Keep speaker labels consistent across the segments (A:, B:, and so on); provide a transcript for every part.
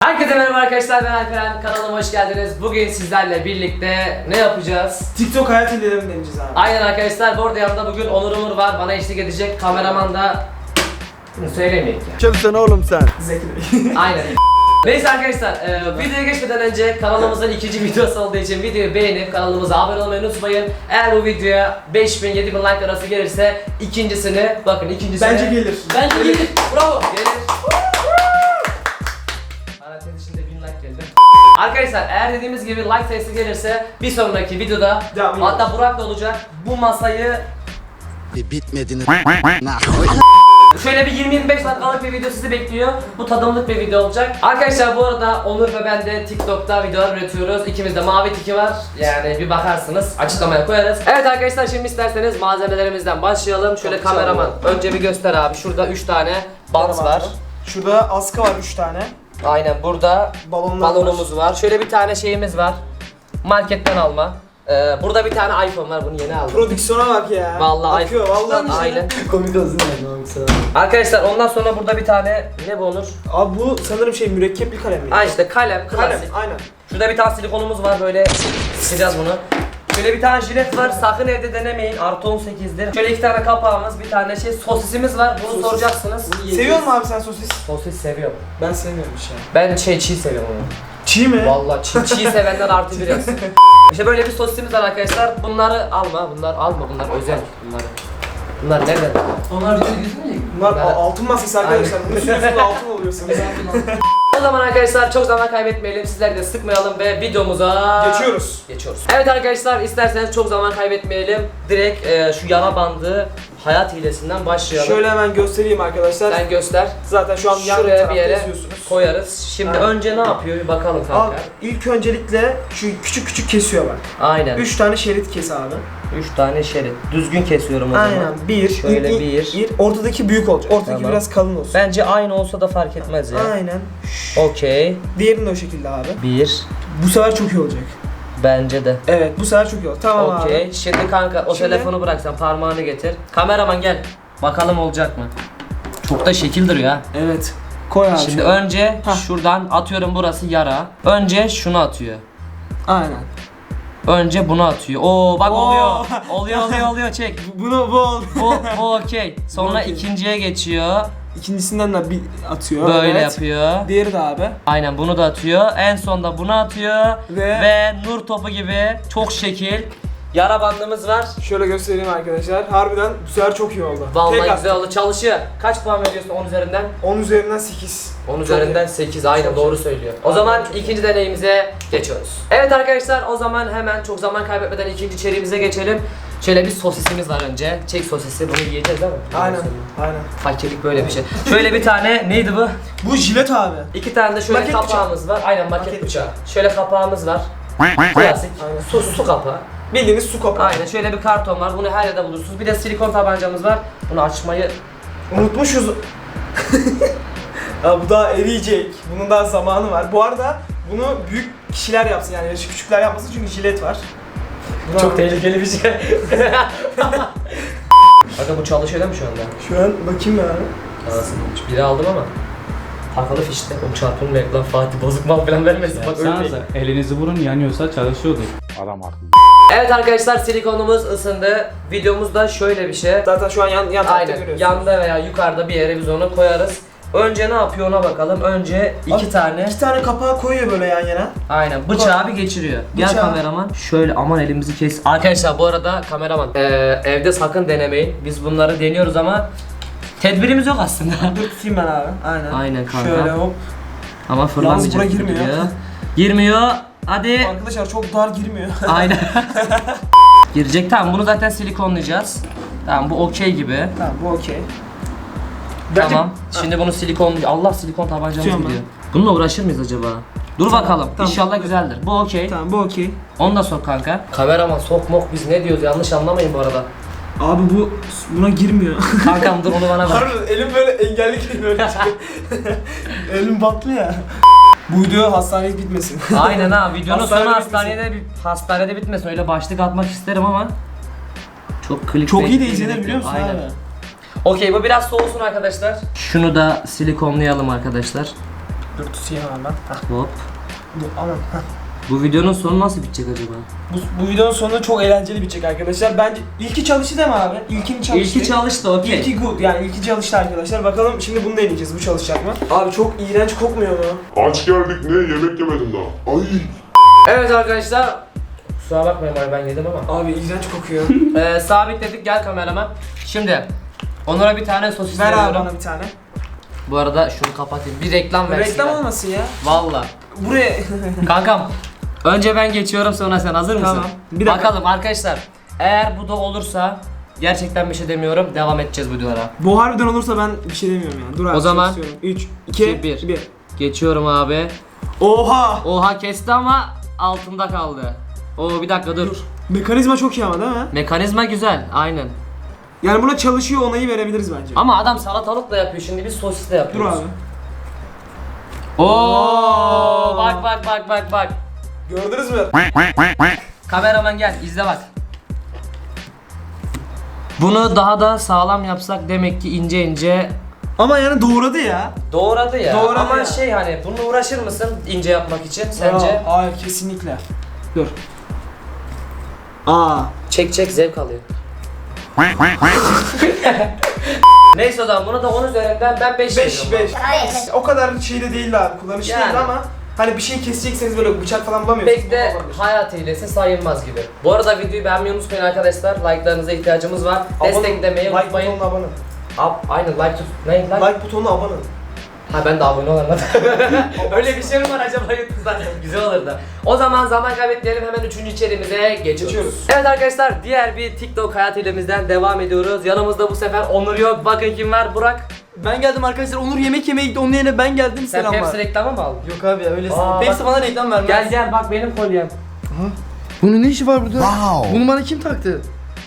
A: Herkese merhaba arkadaşlar, ben Alperen. Kanalıma hoş geldiniz. Bugün sizlerle birlikte ne yapacağız?
B: TikTok hayat hilelerini deneyeceğiz abi.
A: Aynen arkadaşlar, bu arada yanımda bugün Onur Umur var. Bana eşlik edecek. Kameraman da... Bunu söylemeyeyim ya.
C: Kimsin oğlum sen?
B: Zeki Bey.
A: Aynen. Neyse arkadaşlar, videoya geçmeden önce kanalımızın ikinci videosu olduğu için videoyu beğenip kanalımıza abone olmayı unutmayın. Eğer bu videoya 5000-7000 like arası gelirse ikincisini, bakın ikincisini...
B: Bence gelir.
A: Bence gelir. Bravo. Gelir. Parantez içinde 1000 like geldi. Arkadaşlar eğer dediğimiz gibi like sayısı gelirse bir sonraki videoda
B: Devam
A: hatta Burak da olacak, bu masayı
C: Bitmediniz.
A: şöyle bir 20-25 dakikalık bir video sizi bekliyor. Bu tadımlık bir video olacak. Arkadaşlar bu arada Onur ve ben de TikTok'ta videolar üretiyoruz. İkimizde mavi tiki var. Yani bir bakarsınız. Açıklamaya koyarız. Evet arkadaşlar, şimdi isterseniz malzemelerimizden başlayalım. Şöyle
B: Çok
A: kameraman
B: güzel.
A: önce bir göster abi. Şurada 3 tane bant var.
B: Şurada askı var 3 tane.
A: Aynen, burada
B: Balonlar
A: balonumuz var. Şöyle bir tane şeyimiz var. Marketten alma. Burada bir tane iPhone var. Bunu yeni aldım.
B: Prodüksiyona bak ya.
A: Vallahi
B: akıyor vallahi.
A: Aynen.
B: Komik olsun yani.
A: Arkadaşlar ondan sonra burada bir tane ne bu Onur?
B: Abi bu sanırım mürekkepli kalem mi?
A: Ha işte kalem,
B: Kalem
A: klasik.
B: aynen.
A: Şurada bir tane silikonumuz var, böyle sıkacağız bunu. Şöyle bir tane jilet var, sakın evde denemeyin, artı 18'dir. Şöyle 2 tane kapağımız, bir tane sosisimiz var, bunu
B: Sosis.
A: soracaksınız.
B: Seviyor musun abi sen sosis?
A: Sosis seviyorum.
B: Ben sevmiyorum bir şey.
A: Ben çiğ seviyorum onu.
B: Çiğ mi?
A: Vallahi çiğ sevenler artı bir yazsın. İşte böyle bir sosisimiz var arkadaşlar. Bunları alma, bunlar özel. Bunlar nereden?
D: Onlar video gözükmeyecek mi?
B: Bunlar
A: Ben-
B: altın masası arkadaşlar. Bunun üstünde altın oluyor sanırım.
A: O zaman arkadaşlar çok zaman kaybetmeyelim, sizleri de sıkmayalım ve videomuza geçiyoruz. Evet arkadaşlar, isterseniz çok zaman kaybetmeyelim. Direkt şu yara bandı hayat hilesinden başlayalım.
B: Şöyle hemen göstereyim arkadaşlar.
A: Sen göster.
B: Zaten şu an yan
A: Şuraya bir
B: tarafta
A: yere
B: yazıyorsunuz.
A: koyarız. Şimdi
B: Aynen.
A: önce ne yapıyor bir bakalım
B: Al,
A: kanka.
B: ilk öncelikle şu küçük küçük kesiyor bak.
A: Aynen.
B: 3 tane şerit kes abi.
A: 3 tane şerit. Düzgün kesiyorum o zaman.
B: Aynen. Bir.
A: Şöyle
B: İlk-
A: bir.
B: ilk- Ortadaki büyük olacak. Ortadaki
A: Tamam.
B: biraz kalın olsun.
A: Bence aynı olsa da fark etmez ya.
B: Aynen.
A: Okey.
B: Diğerini de o şekilde abi.
A: 1.
B: Bu sefer çok iyi olacak.
A: Bence de.
B: Evet, bu sefer çok iyi olacak. Tamam abi.
A: Okey. Şimdi kanka o
B: Şimdi-
A: telefonu bırak, sen parmağını getir. Kameraman gel. Bakalım olacak mı? Çok da şekil duruyor ha.
B: Evet. Koy abi.
A: Şimdi
B: şöyle.
A: önce
B: Hah.
A: şuradan atıyorum, burası yara. Önce şunu atıyor.
B: Aynen.
A: Önce bunu atıyor. Oo bak
B: Oo.
A: oluyor çek.
B: Bunu bu oldu.
A: Bu okey. Sonra
B: okey.
A: ikinciye geçiyor.
B: İkincisinden de bir atıyor.
A: Böyle
B: evet.
A: yapıyor.
B: Diğeri de abi.
A: Aynen, bunu da atıyor. En sonda bunu atıyor.
B: Ve-
A: Ve nur topu gibi çok şekil yara bandımız var.
B: Şöyle göstereyim arkadaşlar. Harbiden bu sefer çok iyi oldu.
A: Vallahi
B: Tek
A: güzel oldu. Çalışıyor. Kaç puan veriyorsun 10 üzerinden?
B: 10 üzerinden 8.
A: 10 üzerinden 8. Aynen,
B: Çok
A: doğru
B: iyi.
A: söylüyor. O
B: Aynen,
A: zaman
B: çok iyi.
A: ikinci deneyimize geçiyoruz. Evet arkadaşlar, o zaman hemen çok zaman kaybetmeden ikinci içeriğimize geçelim. Şöyle bir sosisimiz var önce. Çek sosisi, bunu yiyeceğiz değil mi?
B: Aynen. Aynen.
A: Fakirlik böyle bir şey. Şöyle bir tane neydi bu?
B: Bu jilet abi.
A: 2 tane de şöyle
B: Maket
A: kapağımız var. Aynen, maket
B: Maket
A: bıçağı. Şöyle kapağımız var. Klasik.
B: Aynen.
A: Su kapağı.
B: Bildiğiniz su kapağı.
A: Aynen, şöyle bir karton var. Bunu her yerde bulursunuz. Bir de silikon tabancamız var. Bunu açmayı...
B: Unutmuşuz. Ya bu daha eriyecek. Bunun daha zamanı var. Bu arada bunu büyük kişiler yapsın, yani yaşı küçükler yapmasın, çünkü jilet var.
A: Çok tehlikeli bir şey. Bakın bu çalışıyor değil mi şu anda?
B: Şu an bakayım ya.
A: Anasını, biri aldım ama takılı fişte. O çarpım reklam, Fatih bozuk mal falan vermesin. Bak ölmeyin.
D: Yapsanıza, elinizi vurun, yanıyorsa çalışıyordur.
C: Adam haklı.
A: Evet arkadaşlar, silikonumuz ısındı. Videomuzda şöyle bir şey.
B: Zaten şu an yan tarafta
A: Aynen,
B: görüyorsunuz.
A: yanda veya yukarıda bir yere biz onu koyarız. Önce ne yapıyor ona bakalım. Önce iki
B: Abi,
A: tane.
B: 2 tane kapağı koyuyor böyle yan yana.
A: Aynen, bıçağı bir geçiriyor. Gel
B: Bıçağı.
A: kameraman. Şöyle, aman elimizi kes. Arkadaşlar bu arada kameraman, evde sakın denemeyin. Biz bunları deniyoruz ama tedbirimiz yok aslında.
B: Dur tutayım ben abi. Aynen.
A: Aynen kanka.
B: Şöyle hop.
A: Ama fırlamayacak.
B: bura
A: gibi
B: girmiyor.
A: duruyor. Girmiyor. Hadi.
B: Arkadaşlar çok dar girmiyor.
A: Aynen. Girecek, tamam, bunu zaten silikonlayacağız. Tamam, bu okey gibi.
B: Tamam, bu okey.
A: Tamam. Şimdi bunu Allah, silikon tabancamız
B: Tutuyorum
A: gidiyor. Bununla uğraşır mıyız acaba? Dur bakalım.
B: tamam.
A: İnşallah güzeldir. Bu okey.
B: Tamam, bu okey.
A: Onu da sok kanka. Kameraman sok mok, biz ne diyoruz, yanlış anlamayın bu arada.
B: Abi buna girmiyor.
A: Kankam dur, onu bana ver.
B: Harbiden elim böyle engelli gibi böyle çıkıyor. Elim batlı ya. Bu video hastanelik bitmesin.
A: Aynen ha, videonun sonu
B: Hastanede
A: hastanede bitmesin. Öyle başlık atmak isterim ama çok clickbait.
B: Çok iyi de izlenir, biliyor musun
A: Aynen.
B: abi?
A: Okey, bu biraz soğusun arkadaşlar. Şunu da silikonlayalım arkadaşlar.
B: Dur tutayım hemen ben. Hah,
A: Hop.
B: dur aman. Hah.
A: Bu videonun sonu nasıl bitecek acaba?
B: Bu videonun sonunda çok eğlenceli bitecek arkadaşlar. Bence ilki çalıştı değil mi abi? İlkini çalıştı.
A: İlki çalıştı, okey.
B: İlki good yani ilki çalıştı arkadaşlar. Bakalım şimdi bunu deneyeceğiz. Bu çalışacak mı? Abi çok iğrenç kokmuyor mu?
E: Aç geldik ne yemek yemedim daha. Ay.
A: Evet arkadaşlar. Kusura bakmayın abi, ben yedim ama.
B: Abi iğrenç kokuyor.
A: Sabitledik, gel kameraman. Şimdi Onur'a bir tane sosis
B: Ver abi
A: veriyorum.
B: bana bir tane.
A: Bu arada şunu kapatayım. Bir reklam versin.
B: Reklam
A: ya.
B: olmasın ya.
A: Valla.
B: Buraya...
A: Kankam. Önce ben geçiyorum, sonra sen hazır mısın?
B: Tamam. Bir dakika.
A: Bakalım arkadaşlar. Eğer bu da olursa gerçekten bir şey demiyorum. Devam edeceğiz bu videolara.
B: Bu harbiden olursa ben bir şey demiyorum yani. Dur abi.
A: O zaman
B: 3, 2,
A: bir.
B: 1.
A: Geçiyorum abi.
B: Oha!
A: Oha, kesti ama altında kaldı. Oo, bir dakika dur.
B: Mekanizma çok iyi ama değil mi?
A: Mekanizma güzel, aynen.
B: Yani buna çalışıyor onayı verebiliriz bence.
A: Ama adam salatalıkla yapıyor, şimdi biz sosisle
B: Dur
A: yapıyoruz.
B: abi.
A: Oo, bak.
B: Gördünüz mü?
A: Kameraman gel, izle bak. Bunu daha da sağlam yapsak demek ki ince ince
B: Ama yani doğradı ya.
A: doğradı ya.
B: Doğradı
A: ama
B: ya.
A: şey, hani bununla uğraşır mısın ince yapmak için sence?
B: Hayır kesinlikle. Dur. Aa.
A: Çek zevk alıyor. Neyse o zaman buna da 10 üzerinden ben 5
B: 5 5. O kadar şey de değildi abi. Kullanışlı
A: Yani.
B: değildi ama hani bir şey kesecekseniz böyle bıçak falan bulamıyorsunuz.
A: Pek de hayat hilesi sayılmaz gibi. Bu arada videoyu beğenmeyi unutmayın arkadaşlar. Like'larınıza ihtiyacımız var. Desteklemeyi
B: like
A: unutmayın.
B: butonuna abone.
A: Aynen like tut. Ne like?
B: Like butonuna abone.
A: Ha, ben de abone olanlar. Öyle bir şey mi var acaba YouTube'da? Güzel olur da. O zaman kaybetmeyelim, hemen 3. içeriğimize geçiyoruz. Evet arkadaşlar, diğer bir TikTok hayat hilemizden devam ediyoruz. Yanımızda bu sefer Onur yok. Bakın kim var? Burak.
F: Ben geldim arkadaşlar. Onur yemek yemeye gitti. Onun yerine ben geldim.
A: Sen
F: Selamlar.
A: Pepsi reklamı mı aldın?
F: Yok abi ya öylesi.
A: Aa,
F: Pepsi
A: bak-
F: bana reklam vermez.
A: Gel bak, benim kolyem.
F: Bunun ne işi var burada?
C: Wow.
F: Bunu bana kim taktı?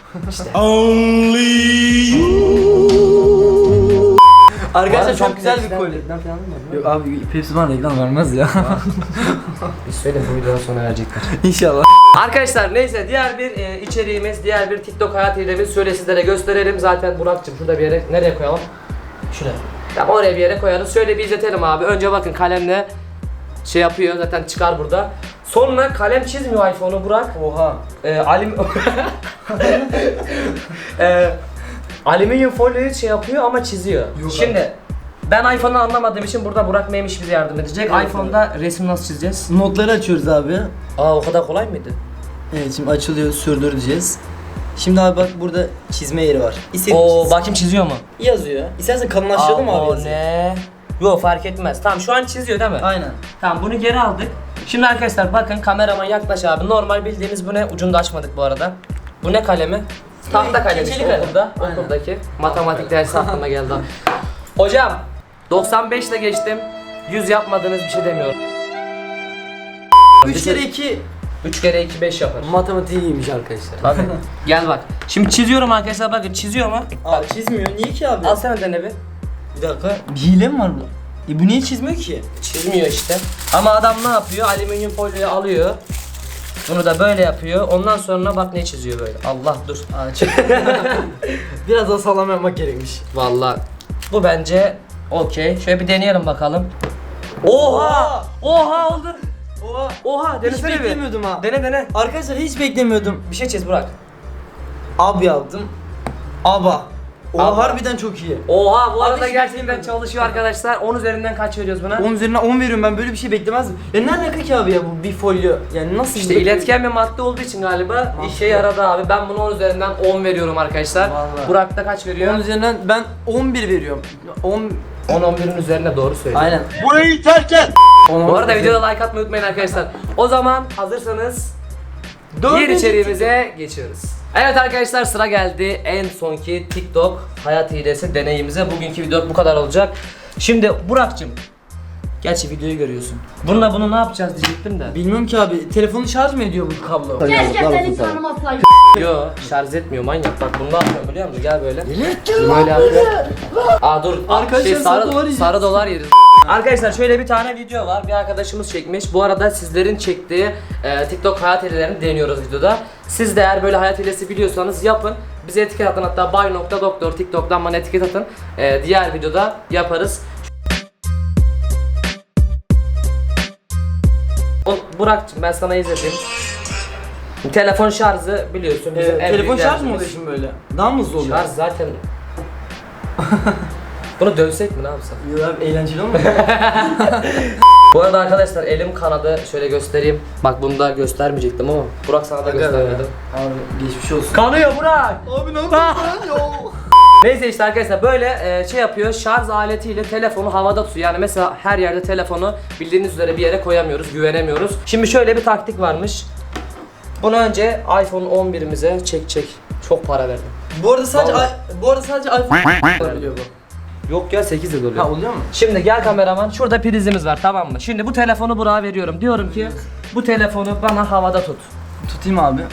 F: Arkadaşlar çok güzel bir kolye.
A: Reklam falan mı?
F: Yok abi Pepsi bana reklam vermez ya.
A: Biz söyle, bu videodan sonra verecekler.
F: İnşallah.
A: Arkadaşlar neyse, diğer bir içeriğimiz, diğer bir TikTok hayat hilemiz. Şöyle sizlere gösterelim. Zaten Burak'cığım şurada bir yere, nereye koyalım? Şuraya. Tamam, oraya bir yere koyarız. Şöyle bir izletelim abi. Önce bakın, kalemle şey yapıyor, zaten çıkar burada. Sonra kalem çizmiyor iPhone'u Burak.
F: Oha.
A: Alüminyum folyoyu şey yapıyor ama çiziyor. Şimdi ben iPhone'u anlamadığım için burada Burak Meymiş bize yardım edecek.
F: Evet,
A: iPhone'da resim nasıl çizeceğiz?
F: Notları açıyoruz abi.
A: Aa, o kadar kolay mıydı?
F: Evet şimdi açılıyor sürdür diyeceğiz. Şimdi abi bak burada çizme yeri var. İstediğin
A: Oo,
F: çiz.
A: bakayım çiziyor mu?
F: Yazıyor. İstersen kalınlaştıralım abi
A: O
F: yazıyı.
A: ne? Yok, fark etmez. Tamam, şu an çiziyor değil mi?
F: Aynen.
A: Tamam, bunu geri aldık. Şimdi arkadaşlar bakın, kameraman yaklaş abi. Normal bildiğimiz bu ne? Ucunu da açmadık bu arada. Bu ne kalemi? Tahta kalemi
F: keçeli
A: işte,
F: kalem.
A: okulda.
F: Aynen.
A: Okuldaki. Matematik dersi aklıma geldi. Hocam 95 ile geçtim. 100 yapmadığınız bir şey demiyorum.
F: 3 kere 2
A: 3 kere 2 5 yapar.
F: matematiği iyiymiş arkadaşlar.
A: Tabii. Gel bak. Şimdi çiziyorum arkadaşlar, bakın çiziyor mu?
F: Abi çizmiyor. Niye ki abi?
A: Al sen dene bir.
F: Bir dakika. Bir hile mi var bu? Bu niye çizmiyor ki?
A: Çizmiyor işte. Ama adam ne yapıyor? Alüminyum folyoyu alıyor. Bunu da böyle yapıyor. Ondan sonra bak ne çiziyor böyle. Allah dur.
F: Biraz daha sağlam yapmak gerekmiş.
A: Vallahi bu bence okey. Şöyle bir deneyelim bakalım. Oha! Oha oldu.
F: Oha.
A: Oha,
F: Hiç
A: denesene bir.
F: beklemiyordum ha.
A: Dene.
F: Arkadaşlar hiç beklemiyordum.
A: Bir şey çiz Burak.
F: Ab yaptım. Aba. Oha
A: Aba.
F: harbiden çok iyi.
A: Oha, bu arada
F: hiç
A: gerçekten
F: beklemiyordum.
A: çalışıyor arkadaşlar. 10 üzerinden kaç veriyoruz buna?
F: 10 üzerinden 10 veriyorum, ben böyle bir şey beklemezdim. Ya ne alaka ki abi ya bu bir folyo? Yani nasıl
A: İşte iletken bir madde olduğu için galiba işe yaradı abi. Ben bunu 10 üzerinden 10 veriyorum arkadaşlar.
F: Vallahi.
A: Burak da kaç
F: 10
A: veriyor?
F: üzerinden ben 11 veriyorum. 10
A: 10-11'in üzerine doğru söylüyor.
F: aynen.
C: Burayı terk et.
A: Bu arada videoda like atmayı unutmayın arkadaşlar. O zaman hazırsanız diğer
F: Dördüncü
A: içeriğimize geçiyoruz. Evet arkadaşlar, sıra geldi en sonki TikTok hayat hilesi deneyimize. Bugünkü video bu kadar olacak. Şimdi Burak'cığım, gerçi videoyu görüyorsun. Bununla bunu ne yapacağız diyecektim de.
F: Bilmiyorum ki abi. Telefonu şarj mı ediyor bu kablo?
G: Gerçekten hiç tanımazlar.
A: Yo, şarj etmiyor manyak. Bak bunu ne yapıyor biliyor musun? Gel böyle. Böyle yapıyor. Aa dur.
F: Arkadaşlar, sarı dolar yiyeceğiz.
A: sarı dolar yeriz. Arkadaşlar şöyle bir tane video var. Bir arkadaşımız çekmiş. Bu arada sizlerin çektiği TikTok hayat hilelerini deniyoruz videoda. Siz de eğer böyle hayat hilesi biliyorsanız yapın. Bize etiket atın, hatta bay.doktor TikTok'tan bana etiket atın. Diğer videoda yaparız. Burak'cığım ben sana izleteyim. Telefon şarjı biliyorsun bizim en
F: Telefon
A: büyük
F: şarj mı
A: derdimiz.
F: oluyor şimdi böyle? Daha mı hızlı oluyor?
A: Şarj zaten. Bunu dövsek mi ne yapsak?
F: Yok abi eğlenceli olmuyor.
A: Bu arada arkadaşlar elim kanadı, şöyle göstereyim. Bak bunu da göstermeyecektim ama Burak sana da göstermedim.
F: Abi geçmiş olsun.
A: Kanıyor Burak.
F: Abi ne yapıyorsun?
A: Neyse işte arkadaşlar böyle şey yapıyor, şarj aletiyle telefonu havada tutuyor. Yani mesela her yerde telefonu bildiğiniz üzere bir yere koyamıyoruz, güvenemiyoruz. Şimdi şöyle bir taktik varmış. Bunu önce iPhone 11'imize çek. Çok para verdim.
F: Bu arada sadece
A: Vallahi.
F: iPhone oluyor bu.
A: Yok ya 8 yıl oluyor.
F: Ha oluyor mu?
A: Şimdi gel kameraman, şurada prizimiz var, tamam mı? Şimdi bu telefonu Burak'a veriyorum. Diyorum ki bu telefonu bana havada tut.
F: Tutayım abi.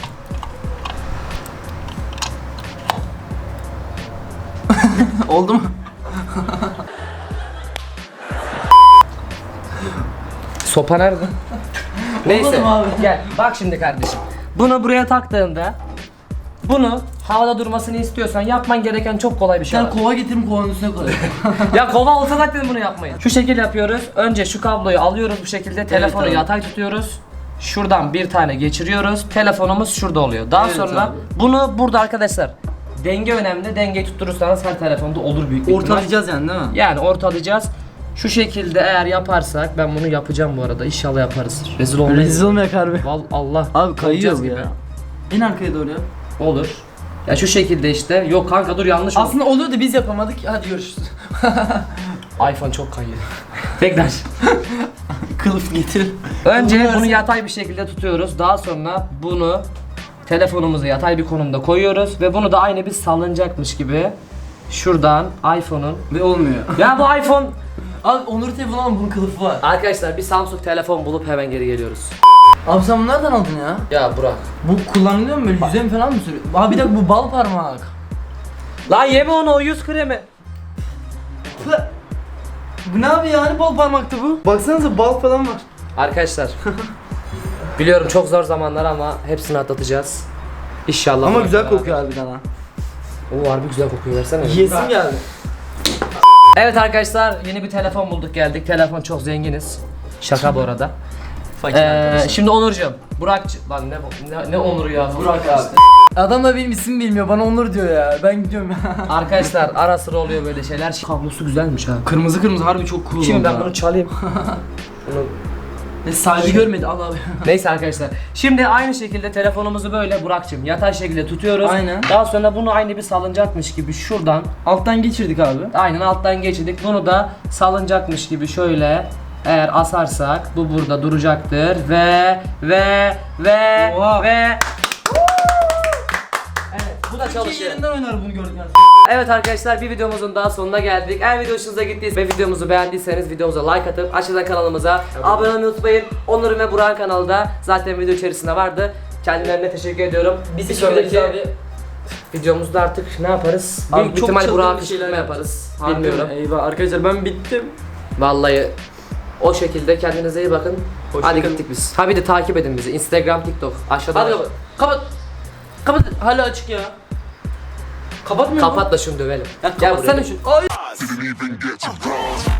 F: Oldu mu?
A: Sopa nerede? Neyse
F: Olmadı mı abi?
A: gel bak şimdi kardeşim. Bunu buraya taktığında bunu havada durmasını istiyorsan yapman gereken çok kolay bir şey
F: Sen
A: var.
F: kova getirin kovanın üstüne koy.
A: Ya kova olsa zaten bunu yapmayın. Şu şekil yapıyoruz. Önce şu kabloyu alıyoruz bu şekilde. Telefonu
F: abi.
A: yatay tutuyoruz. Şuradan bir tane geçiriyoruz. Telefonumuz şurada oluyor. Daha
F: Evet
A: sonra
F: abi.
A: bunu burada arkadaşlar. Denge önemli. Dengeyi tutturursanız her telefonda olur büyük bir ihtimal.
F: Ortalayacağız yani değil mi?
A: Yani ortalayacağız. Şu şekilde eğer yaparsak, ben bunu yapacağım bu arada. İnşallah yaparız. Rezil olmayız.
F: Rezil olmayak harbi.
A: Allah.
F: Abi kayıyor
A: Olacağız
F: bu ya. En arkaya doğru ya.
A: Olur. Ya şu şekilde işte. Yok kanka dur yanlış oldu.
F: Aslında oluyordu biz yapamadık. Hadi görüşürüz.
A: iPhone çok kayıyor. Tekrar.
F: Kılıf getir.
A: Önce bunu yatay bir şekilde tutuyoruz. Daha sonra bunu telefonumuzu yatay bir konumda koyuyoruz ve bunu da aynı bir salıncakmış gibi şuradan iPhone'un.
F: Ve olmuyor.
A: Ya bu iPhone.
F: Abi Onur telefonu ama bunun kılıfı var.
A: Arkadaşlar bir Samsung telefon bulup hemen geri geliyoruz.
F: Abi sen bunu nereden aldın ya?
A: Ya Burak.
F: Bu kullanılıyor mu böyle yüzeye mi falan mı sürüyor? Abi bir dakika bu bal parmak.
A: Lan yeme onu, o yüz kremi.
F: Pı. Bu ne abi ya? Hani bal parmaktı bu? Baksanıza bal falan var.
A: Arkadaşlar. Biliyorum çok zor zamanlar ama hepsini atlatacağız. İnşallah.
F: Ama
A: Burak
F: güzel
A: beraber.
F: kokuyor harbiden ha.
A: Oo harbi güzel kokuyor, versene.
F: Yiyesim geldi.
A: Evet arkadaşlar yeni bir telefon bulduk geldik. Telefon çok zenginiz. Şaka bu arada. Şimdi Onurcuğum, Burak'cığım lan ne Onur ya, Burak abi.
F: Adam da benim ismimi bilmiyor. Bana Onur diyor ya. Ben gidiyorum.
A: Arkadaşlar ara sıra oluyor böyle şeyler. Kablosu güzelmiş ha.
F: Kırmızı kırmızı harbi çok cool
A: Şimdi
F: oldu
A: ben
F: ha.
A: bunu çalayım. Bunu...
F: Sahibi görmedi al abi.
A: Neyse arkadaşlar. Şimdi aynı şekilde telefonumuzu böyle Burak'cığım yatay şekilde tutuyoruz.
F: Aynen.
A: Daha sonra bunu aynı bir salıncakmış gibi şuradan
F: Alttan geçirdik abi.
A: aynen alttan geçirdik. Bunu da salıncakmış gibi şöyle eğer asarsak bu burada duracaktır ve
F: Oha.
A: Evet, bu da çalışıyor.
F: Yerinden oynar bunu gördük yani.
A: Evet arkadaşlar bir videomuzun daha sonuna geldik. Eğer video hoşunuza gittiyse ve videomuzu beğendiyseniz videomuza like atıp aşağıdan kanalımıza abone olmayı unutmayın. Onur'un ve Burak'ın kanalı da zaten video içerisinde vardı. Kendilerine teşekkür ediyorum.
F: Biz
A: bir
F: teşekkür ederiz
A: sonraki videomuzda artık ne yaparız?
F: Abi
A: Büyük bir
F: çok
A: ihtimal
F: çılgın
A: Burak'a
F: bir şeyler
A: kışkırtma yaparız.
F: Harbi
A: Bilmiyorum.
F: mi? Eyvah arkadaşlar ben bittim.
A: Vallahi o şekilde kendinize iyi bakın.
F: Hoşça
A: Hadi
F: kalın.
A: gittik biz. Ha bir de takip edin bizi. Instagram, TikTok. Aşağıda.
F: Hadi kapat. Kapat. Hala açık ya. Kapatmıyor mu?
A: Kapat da şunu dövelim.
F: Ya
A: Gel
F: kapatsana
A: buraya.
F: şunu. Ay.
E: Didn't even get to cross.